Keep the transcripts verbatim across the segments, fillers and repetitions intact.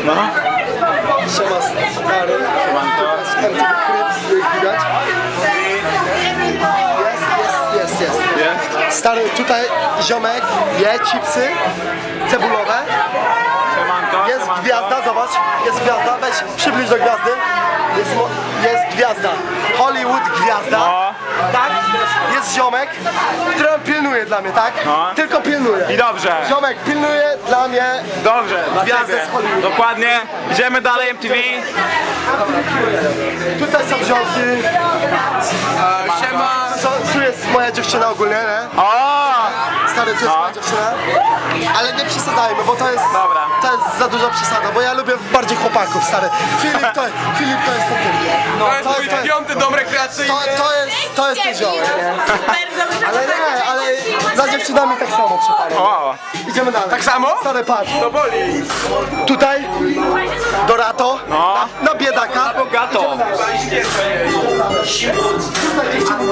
No. Siema stary. Siemanko. Jak widać. Jest, jest, jest, jest. Jest? Stary, tutaj ziomek je chipsy cebulowe. Siemanko, Jest siemanko. gwiazda, zobacz. Jest gwiazda, weź przybliż do gwiazdy. Jest, mo- jest gwiazda. Hollywood gwiazda. No. Tak? Jest ziomek, który pilnuje dla mnie, tak? No. Tylko pilnuje. I dobrze. Ziomek pilnuje dla mnie. Dobrze, dla Gwiazdę ciebie. z Hollywood. Dokładnie. Idziemy dalej M T V. Tutaj są ziomki. Siema! Co- Tu jest moja dziewczyna ogólnie, nie? O! Stary, to jest No. moja dziewczyna. Ale nie przesadzajmy, bo to jest, Dobra. to jest za duża przesada, bo ja lubię bardziej chłopaków, stary. Filip to, Filip to jest ten. No, To jest mój to, piąty dom rekreacyjny. to, to jest, to jest ten ziomek, nie? Super, dobrze, Ale nie, ale za dziewczynami tak samo przypadek. O! Idziemy dalej. Tak samo? Stary, patrz. To boli. Tutaj Dorato, No. na, na biedaka. Bogato. Tutaj dziewczyny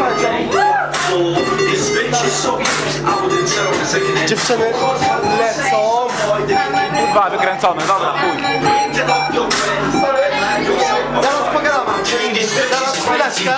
tańczą. Dziewczyny lecą. Dwa wykręcone, dobra, chuj. Zaraz pogadamy. Zaraz chwileczkę.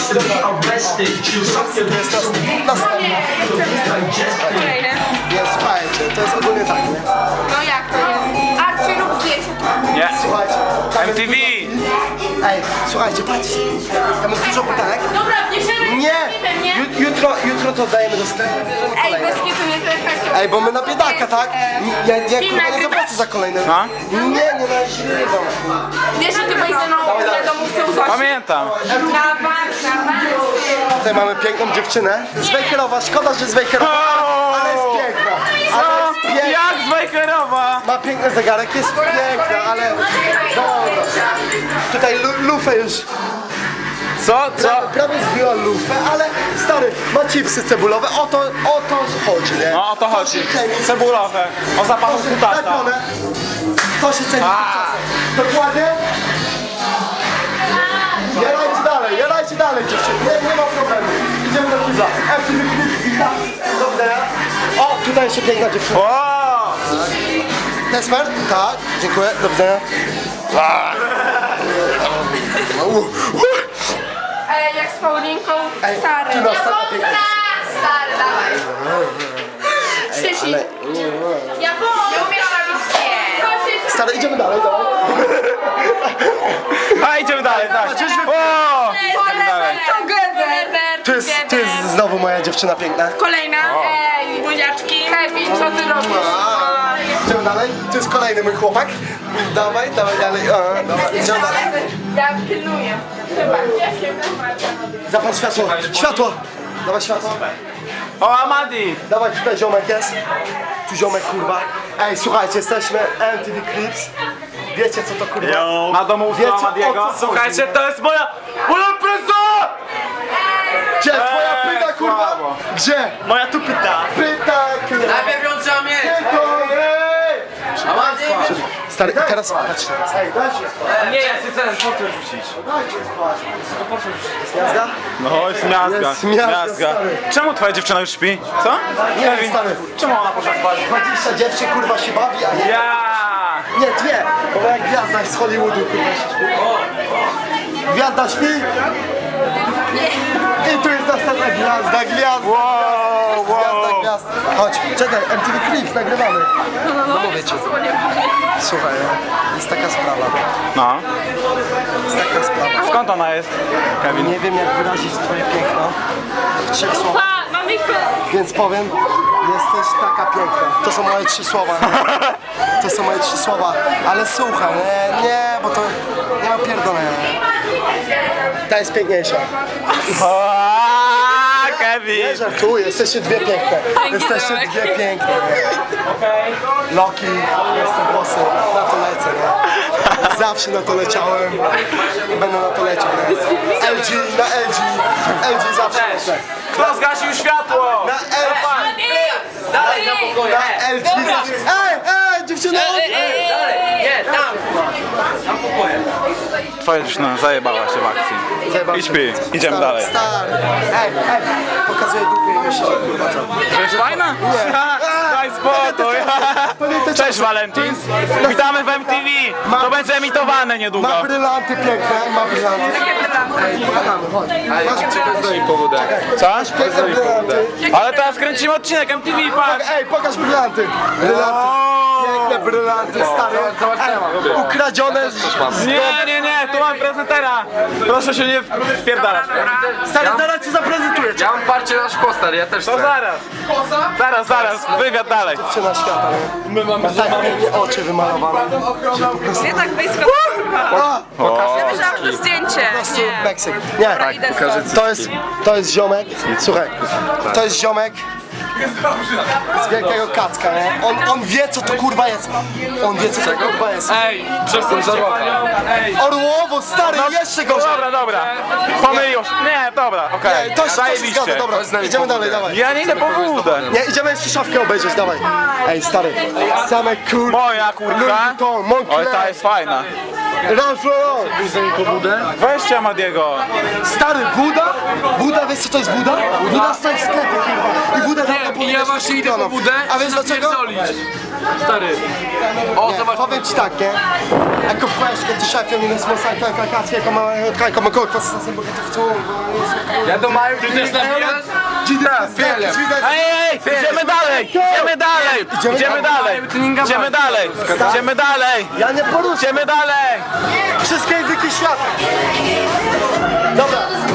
Jest nas- następna. kolejne. Nie, słuchajcie, to jest ogólnie tak, nie? No jak to jest? Archie lub zdjęcie. Nie. Słuchajcie. tam M jest T V. dużo- Ej, słuchajcie, patrzcie. Tam jest dużo butelek. Dobra, bierzemy Nie! sklepem, nie? Ju- Jutro, jutro to dajemy do sklepu. bierzemy Ej, kolejne. bez kitu nie to jest Ej, bo my na biedaka, tak? Ja, ja kurwa nie zapłacę za kolejne. No. Nie, nie nagrywam. Wiesz, że ty byłeś ze mną na domówce u Zosi? Pamiętam. Na bank, na bank. Tutaj mamy piękną dziewczynę. Z Wejherowa, szkoda, że z Wejherowa, ale jest piękna. Ale Co? jest piękna. Jak z Wejherowa? Ma piękny zegarek, jest piękna, ale... Dobra. Tutaj lu- lufę już... Co? Co? Prawie, prawie zbiła lufę, ale stary, ma chipsy cebulowe, o to, o to chodzi, nie? No o to chodzi. się ceni. Cebulowe. O zapachu To się, kutasa. tak one, to się ceni czasem. Dokładnie. Jarajcie dalej, jarajcie dalej dziewczyny, nie, nie ma problemu. Idziemy do kibla. F T V Clip, witam. Do widzenia. O, tutaj jeszcze piękna dziewczyna. O! Tesmer? Tak, dziękuję, do widzenia. Ej, jak z Paulinką, Ej, stary. ty masz taką piękną Stary, dawaj. Krzysi. Ja nie umiesz robić nie. Stary, idziemy dalej, dawaj. A idziemy dalej, tak. O! Idziemy dalej. Together. Tu jest, tu jest znowu moja dziewczyna piękna. Kolejna. Ej, buziaczki. Kevin, co ty robisz? Idziemy dalej, tu jest kolejny mój chłopak. Dawaj, dawaj dalej. A, dawaj, idziemy dalej. Ja pilnuję. Chyba. Ja się Zapal światło, światło. Dawaj światło. O, Amadi! Dawaj, tutaj ziomek jest. Tu ziomek, kurwa. Ej, słuchajcie, jesteśmy M T V Clips. Wiecie co to kurwa? Na domu Wiecie, u o Amadiego. co chodzi? Słuchajcie, to jest moja... Moja presa! Gdzie? Twoja Eee, pyta, kurwa? słabo. Gdzie? Moja tu pyta. Pyta, kurwa. Najpierw ją trzeba mieć. Stary, teraz patrz. Ej, dajcie spać. Nie, ja chcę ten portret rzucić. Dajcie spać. Jazda? No, jest miazga. Jest miazga, stary. Czemu twoja dziewczyna już śpi? Co? Nie, Kevin, stary. czemu ona poszła spać? dwadzieścia dziewczyn, kurwa, się bawi, a nie... Ja! Nie, dwie, bo moja gwiazda z Hollywoodu, kurwa, się śpi. Gwiazda śpi. I tu jest następna gwiazda, gwiazda. Wow, Gwiazda, wow. gwiazda. Chodź, czekaj, M T V Clips, nagrywamy. No mówię ci. Słuchaj, jest taka sprawa. No. Jest taka sprawa. Skąd ona jest, Kevin? Nie wiem, jak wyrazić twoje piękno w trzech słowach, Pa, mamy więc powiem, jesteś taka piękna. To są moje trzy słowa. To są moje trzy słowa. Ale słuchaj, nie, nie, bo to nie ma pierdolenia. Ta jest piękniejsza. O, Kevin! Nie żartuję, jesteście dwie piękne. Jesteście dwie piękne. Okej. Loki, jestem włosy, na to lecę, nie? Zawsze na to leciałem i będę na to leciał, nie? L G, na L G, L G zawsze lecę. Kto zgasił światło? Na L G, Dalej, na pokoju. na L G zawsze... Ej, ej, dziewczyno! Dalej, nie, tam. Na pokoju. Twoja dziewczyna zajebała się w akcji. Zajebałem I się. śpi, idziemy Stary, dalej. Stary, ej, ej, pokazuję dupę i myślę, kurwa co? To jest fajna? Nie. daj spokój. To nie te Cześć czasy. Valentin. Witamy w M T V. To będzie emitowane niedługo. Ma brylanty piękne, ma brylanty. Co? Piękne brylanty. Ale teraz kręcimy odcinek M T V, patrz. Ej, pokaż brylanty. Brylanty. Piękne brylanty, stary. Ej, ukradzione. z- Nie, nie, nie, tu mam prezentera. Proszę się nie wpierdalać. Stary, zaraz ci zaprezentuję. Ja mam parcie na szkło, stary, ja też To chcę. zaraz. Zaraz, zaraz, wywiad dalej. Na świata, nie? My mamy tak pięknie oczy wymalowane. Nie tak blisko. A, Ja myślałam, że to zdjęcie. po prostu Meksyk. Nie, Dobra, idę stąd. to jest, to jest ziomek. Słuchaj, to jest ziomek z wielkiego kacka, nie? On, on wie co to kurwa jest. On wie co to kurwa jest. Ej, przestań żarować. Orłowo, stary, jeszcze gorzej. Dobra, dobra. Pomylił się. Nie, dobra, okej. To się, to się zgadza, Zajebiście. dobra. Idziemy dalej, dawaj. Ja nie idę po wódę. Nie, idziemy jeszcze szafkę obejrzeć, dawaj. Ej, stary, same kur... Moja kurka. Louis Vuitton, Moncler. Oj, ta jest fajna. Ralph Lauren. Weźcie Madiego. Stary, Buda? Buda, wiesz co to jest Buda? Buda stoi w sklepie, kurwa. I Buda dawno Nie, i ja właśnie idę po budę. A wiesz dlaczego? Stary. O, Nie, zobacz. powiem ci tak, nie? Ecco fresco, ti scegliere una smossata anche a cazzo come come colpa sta sempre che tu. Ja do Maju, ty też nabijasz? Wiele. Ej, ej, idziemy dalej, idziemy dalej, idziemy dalej, idziemy dalej, idziemy dalej, Ja nie poruszę. idziemy dalej. Wszystkie języki świata. Dobra,